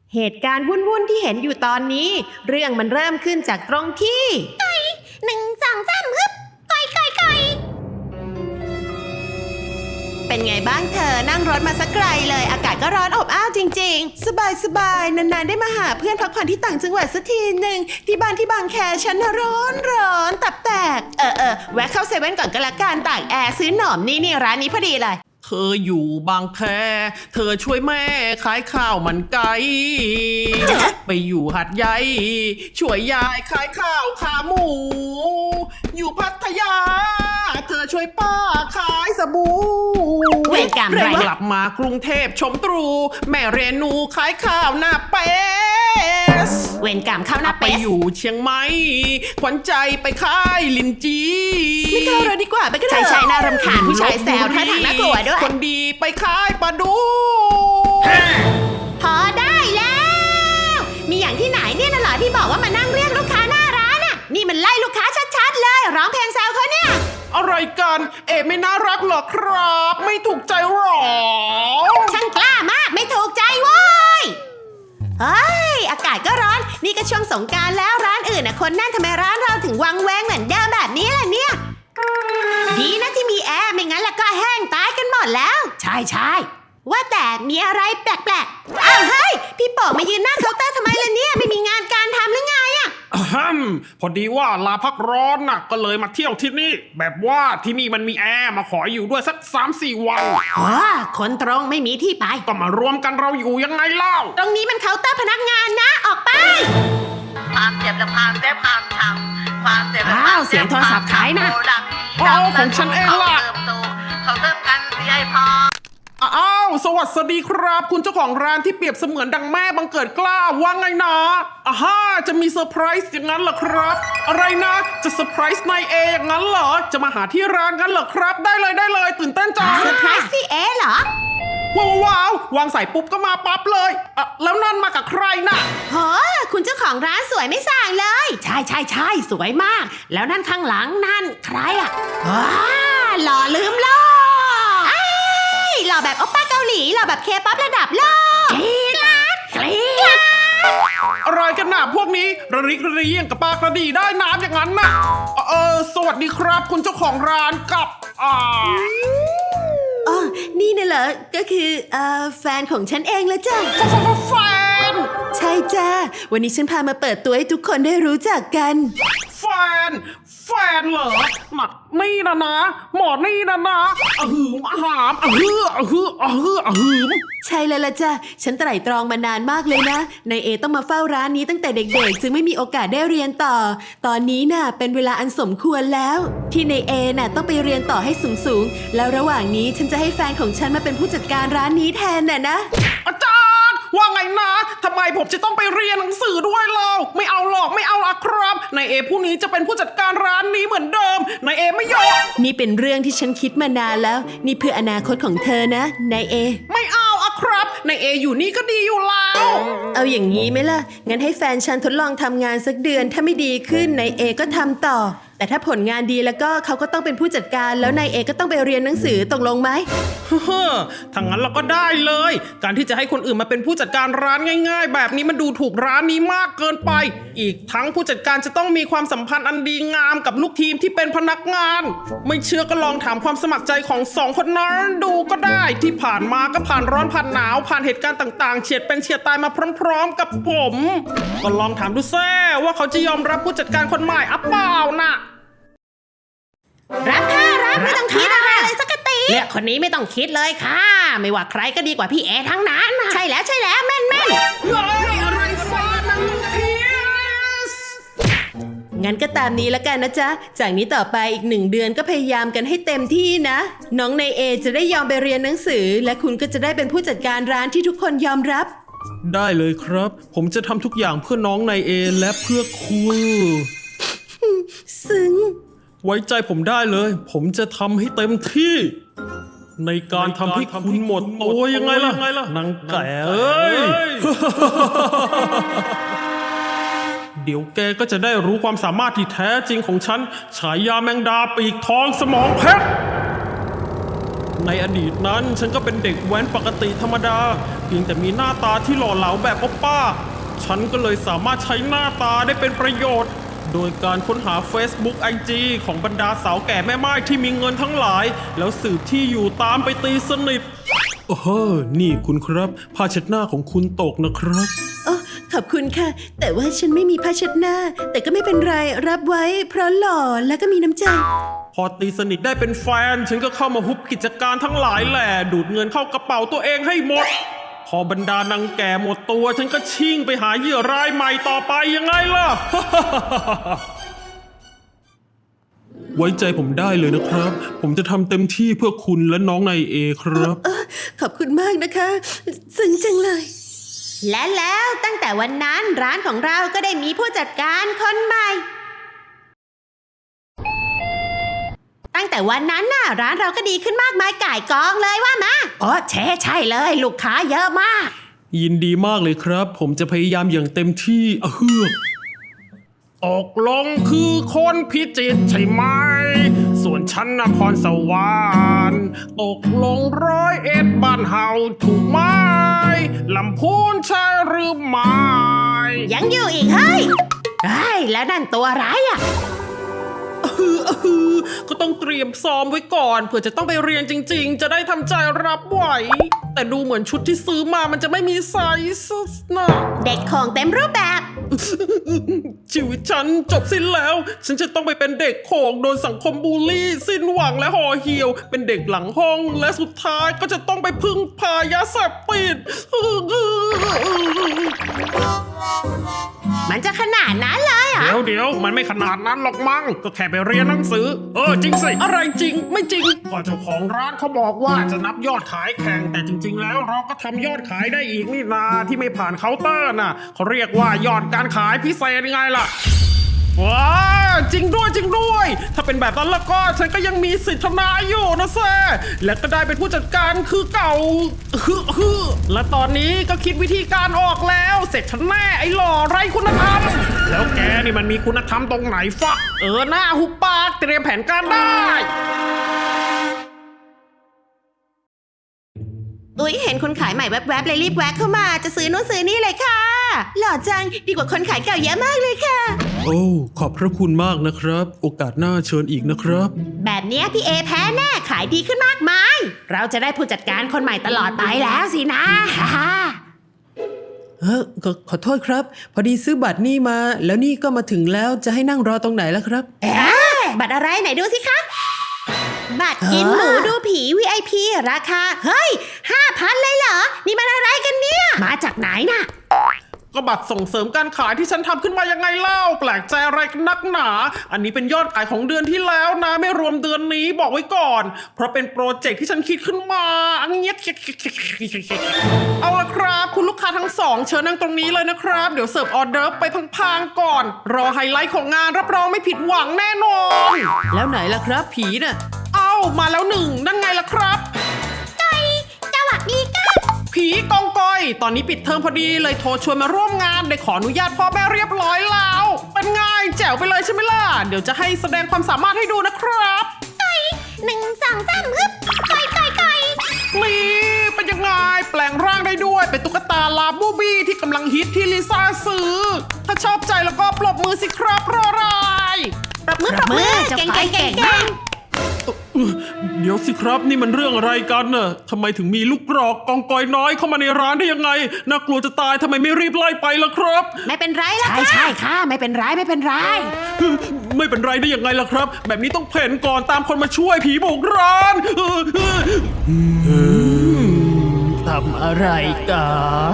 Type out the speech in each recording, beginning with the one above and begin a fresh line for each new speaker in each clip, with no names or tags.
เหตุการณ์วุ่นๆที่เห็นอยู่ตอนนี้ เรื่องมันเริ่มขึ้นจากตรงที่1 2 3ฮึบก่อย เป็นไงบ้างเธอนั่งรถมาสักไกลเลยอากาศก็ร้อนอบอ้าวจริงๆสบายนานๆได้มาหาเพื่อนพักผ่อนที่ต่างจังหวัดสักทีหนึ่งที่บ้านที่บางแคฉันร้อนตับแตกแวะเข้าเซเว่นก่อนก็แล้วกันตากแอร์ซื้อหนอมนี่ร้านนี้พอดีเลย
เธออยู่บางแคเธอช่วยแม่ขายข้าวมันไก่ไปอยู่หัดใหญ่ช่วยยายขายข้าวขาหมูอยู่พัทยาเธอช่วยป้าขายสบู่
เวรกรรมไร
กลับมากรุงเทพชมตรูแม่เรนูขายข้าวหน้าเปส
เวรกรรมข้าวหน้าเปส
ไปอยู่เชียงใหม่ขวัญใจไปขายลินจี
ไม่เข้าเลยดีกว่าไปกันเถอะใช่น่ารำคาญผู้ชายแซวท่าทางน่ากลัวด้วย
คนดีไปขายปลาดุก
พอได้แล้วมีอย่างที่ไหนเนี่ยน่ะเหรอที่บอกว่ามานั่งเรียกลูกค้าหน้าร้านน่ะนี่มันไล่ลูกค้าชัดๆเลยร้องเพลงแซวเขาเนี่ย
อะไรกันไม่น่ารักหรอครับไม่ถูกใจหรอ
ช่างกล้ามากไม่ถูกใจเว้ยเฮ้ยอากาศก็ร้อนนี่ก็ช่วงสงกรานต์แล้วร้านอื่นน่ะคนแน่นทำไมร้านเราถึงวังแวงเหมือนเดิมแบบนี้ล่ะเนี่ยดีนะที่มีแอร์ไม่งั้นแล้วก็แห้งตายกันหมดแล้วใช่ว่าแต่มีอะไรแปลกๆอ้าวเฮ้ยพี่โป๋มายืนหน้าเคาน์เตอร์ทำไมล่ะเนี่ยไม่มีงานการทำหรือไงอะ
พอดีว่าลาพักร้อนน่ะก็เลยมาเที่ยวที่นี่แบบว่าที่นี่มันมีแอร์มาขออยู่ด้วยสัก 3-4 วัน
คนตรงไม่มีที่ไป
ก็มารวมกันเราอยู่ยังไงเล่า
ตรงนี้มันเคาน์เตอร์พนักงานนะออกไป
ความเจ็บและความเจ็บความทำความเจ็บและ
ความเสียงโทรศัพท์ขายนะ
ของฉันเองล่ะ
เขาเติมกันที่ให้พอ
สวัสดีครับคุณเจ้าของร้านที่เปรียบเสมือนดังแม่บังเกิดกล้าว่าไงนะจะมีเซอร์ไพรส์อย่างนั้นเหรอครับอะไรนะจะเซอร์ไพรส์นายอย่างนั้นเหรอจะมาหาที่ร้านงั้นเหรอครับได้เลยตื่นเต้นจัง
เซอร์ไพรส์พี่เหรอ
ว้าววางสายปุ๊บก็มาปั๊บเลยแล้วนั่นมากับใครน่ะ
คุณเจ้าของร้านสวยไม่ส่างเลยใช่สวยมากแล้วนั่นข้างหลังนั่นใครอ่ะหล่อลืมโลกหล่อแบบโอป้าเกาหลีหล่อแบบเคป๊อประดับโลกกรี๊ด
อะไรกันน่ะพวกนี้ระริกระเรียงกับปลากระดีได้น้ำอย่างนั้นน่ะสวัสดีครับคุณเจ้าของร้านกับ
นี่น่ะเหรอก็คือแฟนของฉันเองละจ้ะ
แฟน
ใช่จ้าวันนี้ฉันพามาเปิดตัวให้ทุกคนได้รู้จักกัน
แฟนเหรอนี่นะหมอนี่นะหาม
ใช่แล้วล่ะจ้ะฉันไตร่ตรองมานานมากเลยนะนายต้องมาเฝ้าร้านนี้ตั้งแต่เด็กๆจึงไม่มีโอกาสได้เรียนต่อตอนนี้น่ะเป็นเวลาอันสมควรแล้วที่นายน่ะต้องไปเรียนต่อให้สูงแล้วระหว่างนี้ฉันจะให้แฟนของฉันมาเป็นผู้จัดการร้านนี้แทนน่ะนะ
อาจารย์ว่าไงนะทำไมผมจะต้องไปเรียนหนังสือด้วยเล่าไม่เอาหรอกไม่เอาละครับนายผู้นี้จะเป็นผู้จัดการร้านนี้เหมือนเดิมนายไม่ยอม
นี่เป็นเรื่องที่ฉันคิดมานานแล้วนี่เพื่ออนาคตของเธอนะนาย
ไม่เอาอะครับนายอยู่นี่ก็ดีอยู่แล้ว
เอาอย่างนี้ไหมล่ะงั้นให้แฟนฉันทดลองทำงานสักเดือนถ้าไม่ดีขึ้นนายก็ทำต่อแต่ถ้าผลงานดีแล้วก็เขาก็ต้องเป็นผู้จัดการแล้วนายก็ต้องไปเรียนหนังสือตกลงไหม
ถ้างั้นเราก็ได้เลยการที่จะให้คนอื่นมาเป็นผู้จัดการร้านง่ายๆแบบนี้มันดูถูกร้านนี้มากเกินไปอีกทั้งผู้จัดการจะต้องมีความสัมพันธ์อันดีงามกับลูกทีมที่เป็นพนักงานไม่เชื่อก็ลองถามความสมัครใจของ2 คนนั้นดูก็ได้ที่ผ่านมาก็ผ่านร้อนผ่านหนาวผ่านเหตุการณ์ต่างๆเฉียดเป็นเฉียดตายมาพร้อมๆกับผมก็ลองถามดูแซ่ว่าเขาจะยอมรับผู้จัดการคนใหม่เปล่านะ
รับค่ะรับไม่ต้องคิดอะไรเลยสักทีเรียกคนนี้ไม่ต้องคิดเลยค่ะไม่ว่าใครก็ดีกว่าพี่ทั้งนั้นใช่แล้วแม่น
อะไรฟ้านังพีส
งั้นก็ตามนี้แล้วกันนะจ๊ะจากนี้ต่อไปอีก1 เดือนก็พยายามกันให้เต็มที่นะน้องนายจะได้ยอมไปเรียนหนังสือและคุณก็จะได้เป็นผู้จัดการร้านที่ทุกคนยอมรับ
ได้เลยครับผมจะทำทุกอย่างเพื่อน้องนายและเพื่อคุณ
ซึ้ง
ไว้ใจผมได้เลยผมจะทำให้เต็มที่ในการทำให้คุณหมดตัวยังไงล่ะนางแก่เดี๋ยวแกก็จะได้รู้ความสามารถที่แท้จริงของฉันฉายาแมงดาปีกทองสมองเพชรในอดีตนั้นฉันก็เป็นเด็กแว้นปกติธรรมดาเพียงแต่มีหน้าตาที่หล่อเหลาแบบโอป้าฉันก็เลยสามารถใช้หน้าตาได้เป็นประโยชน์โดยการค้นหา Facebook IG ของบรรดาสาวแก่แม่ไม้ที่มีเงินทั้งหลายแล้วสืบที่อยู่ตามไปตีสนิทโอ้โหนี่คุณครับผ้าเช็ดหน้าของคุณตกนะครับ
โอ้ขอบคุณค่ะ แต่ว่าฉันไม่มีผ้าเช็ดหน้า แต่ก็ไม่เป็นไรรับไว้เพราะหล่อและก็มีน้ำใจ
พอตีสนิทได้เป็นแฟนฉันก็เข้ามาฮุบกิจการทั้งหลายแหละดูดเงินเข้ากระเป๋าตัวเองให้หมดพอบรรดานางแก่หมดตัวฉันก็ชิ่งไปหาเหยื่อรายใหม่ต่อไปยังไงล่ะ ไว้ใจผมได้เลยนะครับผมจะทำเต็มที่เพื่อคุณและน้องนายเอครับ
ขอบคุณมากนะคะซึ้งจังเลย และแล้วตั้งแต่วันนั้นร้านของเราก็ได้มีผู้จัดการคนใหม่ ตั้งแต่วันนั้นน่ะร้านเราก็ดีขึ้นมากมายก่ายกองเลยว่ามาอ๋อใช่เลยลูกค้าเยอะมาก
ยินดีมากเลยครับผมจะพยายามอย่างเต็มที่เฮือกตกลงคือคนพิจิตรใช่ไหมส่วนฉันนครสวรรค์ตกลง101บ้านเฮาถูกไหมลำพูนใช่หรือไม่
ยังอยู่อีกเฮ้ยแล้วนั่นตัวร้ายอ่ะ
ก็ต้องเตรียมซ้อมไว้ก่อนเผื่อจะต้องไปเรียนจริงๆจะได้ทำใจรับไหวแต่ดูเหมือนชุดที่ซื้อมามันจะไม่มีไซส์นะ
เด็กของเต็มรูปแบบ
ชีวิตฉันจบสิ้นแล้วฉันจะต้องไปเป็นเด็กโขงโดนสังคมบูลลี่สิ้นหวังและห่อเหี่ยวเป็นเด็กหลังห้องและสุดท้ายก็จะต้องไปพึ่งพายาเสพติด
มันจะขนาดนั้นเลยเหรอ
เดี๋ยวมันไม่ขนาดนั้นหรอกมั้งก็แค่ไปเรียนหนังสือจริงสิอะไรจริงไม่จริงก็เจ้าของร้านเขาบอกว่าจะนับยอดขายแข่งแต่จริงๆแล้วเราก็ทำยอดขายได้อีกนี่นาที่ไม่ผ่านเคาน์เตอร์น่ะเขาเรียกว่ายอดการขายพิเศษยังไงล่ะว้าจริงด้วยถ้าเป็นแบบนั้นแล้วก็ฉันก็ยังมีสิทธิ์ทำนาอยู่นะแซ่และก็ได้เป็นผู้จัดการคือเก่าและตอนนี้ก็คิดวิธีการออกแล้วเสร็จฉันแน่ไอ้หล่อไร้คุณธรรมแล้วแกนี่มันมีคุณธรรมตรงไหนฟะหน้าหุบปากเตรียมแผนการได้
อุ๊ยเห็นคนขายใหม่แวบๆเลยรีบแวะเข้ามาจะซื้อนู่นซื้อนี่เลยค่ะหล่อจังดีกว่าคนขายเก่าเยอะมากเลยค่ะ
โอ้ขอบพระคุณมากนะครับโอกาสหน้าเชิญอีกนะครับ
แบบเนี้ยพี่เอแพ้แน่ขายดีขึ้นมากมายเราจะได้ผู้จัดการคนใหม่ตลอดไปแล้วสินะ
ขอโทษครับ พอดีซื้อบัตรนี่มาแล้วนี่ก็มาถึงแล้วจะให้นั่งรอตรงไหนล่ะครับ
บัตรอะไรไหนดูสิคะบัตรกินหมูดูผี VIP ราคาเฮ้ย 5,000 เลยเหรอนี่มันอะไรกันเนี่ยมาจากไหนน่ะ
ก็บัตรส่งเสริมการขายที่ฉันทำขึ้นมายังไงเล่าแปลกใจอะไรกันนักหนาอันนี้เป็นยอดขายของเดือนที่แล้วนะไม่รวมเดือนนี้บอกไว้ก่อนเพราะเป็นโปรเจกต์ที่ฉันคิดขึ้นมาอันเนี้ยเอาละครับคุณลูกค้าทั้งสองเชิญนั่งตรงนี้เลยนะครับเดี๋ยวเสิร์ฟออเดอร์ไปพังๆก่อนรอไฮไลท์ของงานรับรองไม่ผิดหวังแน่นอน
แล้วไหนล่ะครับผีน่ะ
เอ้ามาแล้วหนึ่งนั่นไงล่ะครับ
สวัสดีค่ะ
ผีกองกอยตอนนี้ปิดเทอมพอดีเลยโทรชวนมาร่วมงานได้ขออนุญาตพ่อแม่เรียบร้อยแล้วเป็นไงแจ๋วไปเลยใช่ไหมล่ะเดี๋ยวจะให้แสดงความสามารถให้ดูนะครับ
1 2 3ฮึบไก่
นี่เป็นยังไงแปลงร่างได้ด้วยเป็นตุ๊กตาลาบูบี้ที่กำลังฮิตที่ลิซ่าซื้อถ้าชอบใจแล้วก็ปรบมือสิครับรออะไร
ปรบมือเก่ง
เดี๋ยวสิครับนี่มันเรื่องอะไรกันน่ะทำไมถึงมีลูกกรอกกองกอยน้อยเข้ามาในร้านได้ยังไงน่ากลัวจะตายทำไมไม่รีบไล่ไปล่ะครับ
ไม่เป็นไรล่ะค่ะใช่ค่ะไม่เป็นไรไม่เป็นไร
ไม่เป็นไรได้ยังไงล่ะครับ แบบนี้ต้องเพ่นก่อนตามคนมาช่วยผีบุกร้าน
ทำอะไรกัน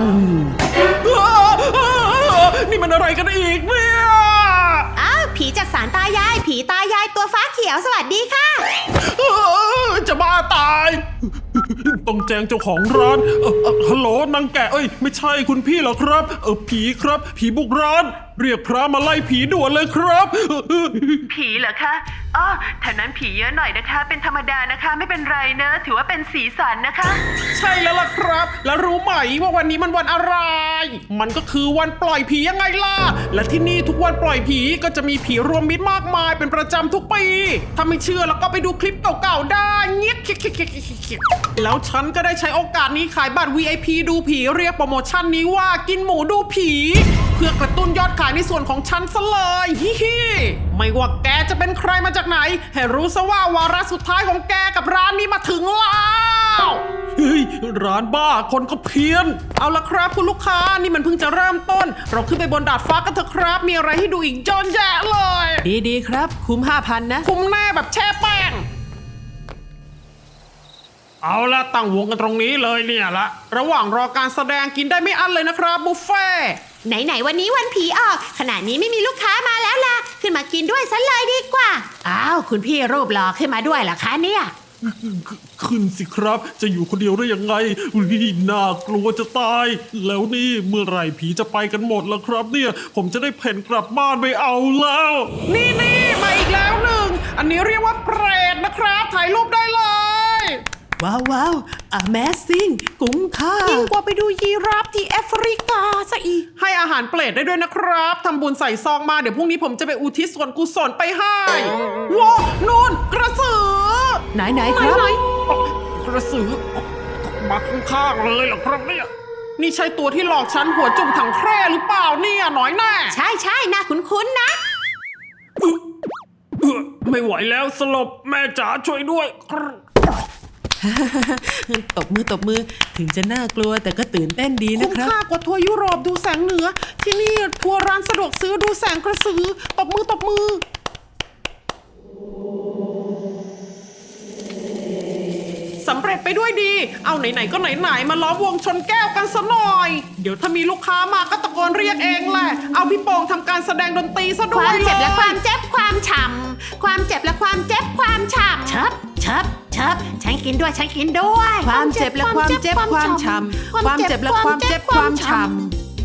นี่มันอะไรกันอีกเนี่ย
อ้าวผีจากศาลตายายผีตายายตัวฟ้าเขียวสวัสดีค่ะ
จะบ้าตายต้องแจ้งเจ้าของร้านฮัลโหลนางแกะไม่ใช่คุณพี่เหรอครับผีครับผีบุกร้านเรียกพระมาไล่ผีด่วนเลยครับ
ผีเหรอคะ
อ๋อแถวนั้นผีเยอะหน่อยนะคะ เป็นธรรมดานะคะ ไม่เป็นไรเนอะถือว่าเป็นสีสันนะคะ
ใช่แล้วล่ะครับ แล้วรู้ไหมว่าวันนี้มันวันอะไร มันก็คือวันปล่อยผียังไงล่ะ และที่นี่ทุกวันปล่อยผีก็จะมีผีรวมมิตรมากมายเป็นประจำทุกปี ถ้าไม่เชื่อแล้วก็ไปดูคลิปเก่าๆได้เงี้ยแล้วฉันก็ได้ใช้โอกาสนี้ขายบัตร VIP ดูผีเรียกโปรโมชั่นนี้ว่ากินหมูดูผี เพื่อกระตุ้นยอดขายในส่วนของฉันซะเลยฮิฮิไม่ว่าแกจะเป็นใครมาจากไหนให้รู้ซะว่าวาระสุดท้ายของแกกับร้านนี้มาถึงแล้วเฮ้ยร้านบ้าคนก็เพี้ยนเอาละครับคุณลูกค้านี่มันเพิ่งจะเริ่มต้น เราขึ้นไปบนดาดฟ้ากันเถอะครับมีอะไรให้ดูอีกเยอะแยะเลย
ดีๆครับ คุ้ม 5,000 นะ
คุ้มแน่แบบแช่แป้งเอาละตั้งวงกันตรงนี้เลยเนี่ยละระหว่างรอการแสดงกินได้ไม่อั้นเลยนะครับบุฟเฟ่
ไหนๆวันนี้วันผีออกขณะนี้ไม่มีลูกค้ามาแล้วล่ะขึ้นมากินด้วยซะเลยดีกว่าอ้าวคุณพี่รูปหล่อขึ้นมาด้วยเหรอคะเนี่ย
ขึ้นสิครับ จะอยู่คนเดียวได้ยังไงน่ากลัวจะตาย แล้วนี่เมื่อไหร่ผีจะไปกันหมดแล้วครับเนี่ย ผมจะได้เพ่นกลับบ้านไม่เอาแล้ว
นี่มาอีกแล้วหนึ่งอันนี้เรียกว่าเปรตนะครับถ่ายรูปได้เลย
ว้าว Amazing กุ้งค่า
ยิ่งกว่าไปดูยีราฟที่แอฟริกาซะอีก
ให้อาหารเปรตได้ด้วยนะครับทำบุญใส่ซองมาเดี๋ยวพรุ่งนี้ผมจะไปอุทิศส่วนกุศลไปให้ว้าวนู่นกระสือ
ไหนครับ
กระสือมาข้างๆเลยเหรอครับเนี่ยนี่ใช่ตัวที่หลอกฉันหัวจุ่มถังแคร่หรือเปล่าเนี่ยน้อยแน่
ใช่น่าคุ้นๆนะ
ไม่ไหวแล้วสลบแม่จ๋าช่วยด้วย
ตบมือถึงจะน่ากลัวแต่ก็ตื่นเต้นดีนะ
คุ้ม
ครับ
ค่ากว่าทัวร์ยุโรปดูแสงเหนือ ที่นี่ทัวร์ร้านสะดวกซื้อดูแสงกระสือตบมือ สำเร็จไปด้วยดี เอาไหนๆก็ไหนๆมาล้อมวงชนแก้วกันซะหน่อย เดี๋ยวถ้ามีลูกค้ามาก็ตะโกนเรียกเองแหละ เอาพี่โป่งทำการแสดงดนตรีซะ
ค
ด้ว
วาย มเจ็บและ
เลย
ความเจ็บความฉ่ำความเจ็บและความเจ็บความฉ่ำเชิบฉันกินด้วย
ความเจ็บและความเจ็บความช้ำความเจ็บและความเจ็บความช้ำ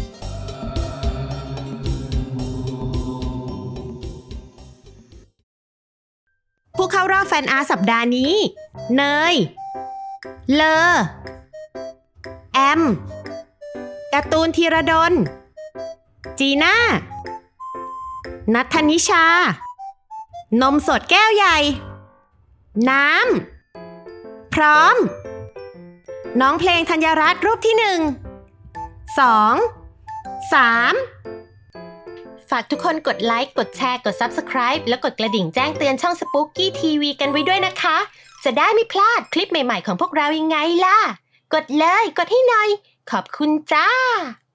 ผู้เข้ารอบแฟนอาร์ตสัปดาห์นี้ เนย เลอ แอม การ์ตูนธีรดล จีน่า นัทธนิชา นมสดแก้วใหญ่ น้ำ พร้อม น้องเพลงธัญรัตน์รูปที่ 1 2 3 ฝากทุกคนกดไลค์ กดแชร์ กด Subscribe แล้วกดกระดิ่งแจ้งเตือนช่อง Spooky TV กันไว้ด้วยนะคะ จะได้ไม่พลาดคลิปใหม่ๆของพวกเรายังไงล่ะ กดเลย กดให้หน่อย ขอบคุณจ้า